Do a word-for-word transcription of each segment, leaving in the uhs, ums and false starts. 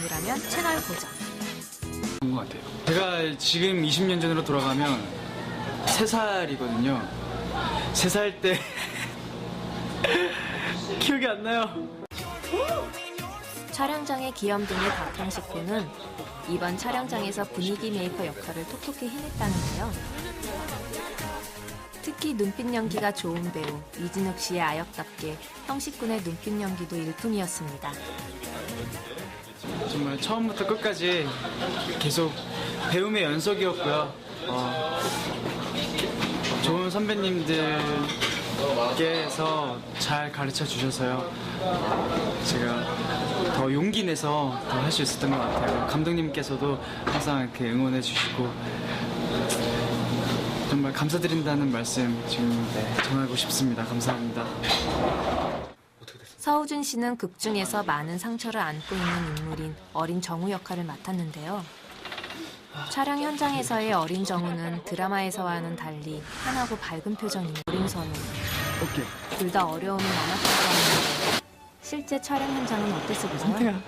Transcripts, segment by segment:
배우라면 채널 고정. 그런 것 같아요. 제가 지금 이십 년 전으로 돌아가면 세 살이거든요. 세 살 때 기억이 안 나요. 촬영장의 귀염둥이 박형식 군은 이번 촬영장에서 분위기 메이커 역할을 톡톡히 해냈다는데요. 특히 눈빛 연기가 좋은 배우 이진욱 씨의 아역답게 형식 군의 눈빛 연기도 일품이었습니다. 정말 처음부터 끝까지 계속 배움의 연속이었고요. 어, 좋은 선배님들께서 잘 가르쳐 주셔서요. 제가 더 용기 내서 더 할 수 있었던 것 같아요. 감독님께서도 항상 이렇게 응원해 주시고 정말 감사드린다는 말씀 지금 네, 전하고 싶습니다. 감사합니다. 서우준 씨는 극 중에서 많은 상처를 안고 있는 인물인 어린 정우 역할을 맡았는데요. 촬영 현장에서의 어린 정우는 드라마에서와는 달리 환하고 밝은 표정인 어린 선우. 둘 다 어려움이 많았다고 하는데 실제 촬영 현장은 어땠어 보세요?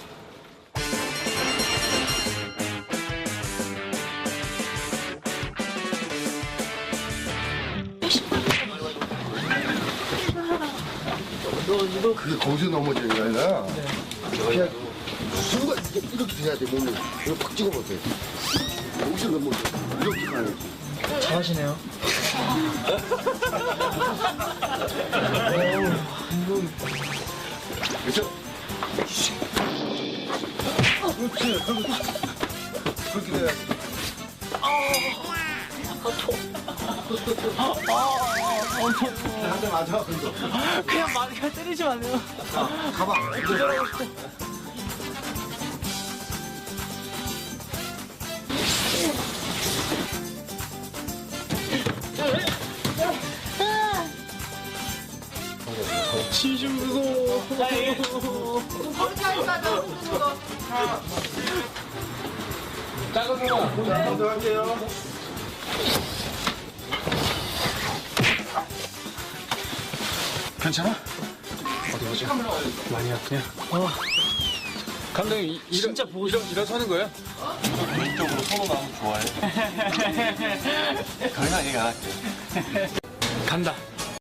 그게 거기서 넘어지는 게 아니라 그냥 순간 이렇게, 이렇게 돼야 돼. 몸을 이거 팍 찍어보세요. 여기서 넘어져. 이렇게 가는 거지. 잘하시네요. 그렇죠? 그렇지. 그렇게 돼야 돼. 한대 맞아. 그냥 막 그냥 때리지 마세요. 가봐. 진심 무서워. 작은 누나, 먼저 갈게요. 괜찮아? 어디 보자. 많이 아프냐? 어. 감독님, 이, 이러, 진짜 보고 싶어. 이러서 하는 거예요? 개인적으로 서로 나오면 좋아해. 강한 얘기 안 할게. 간다.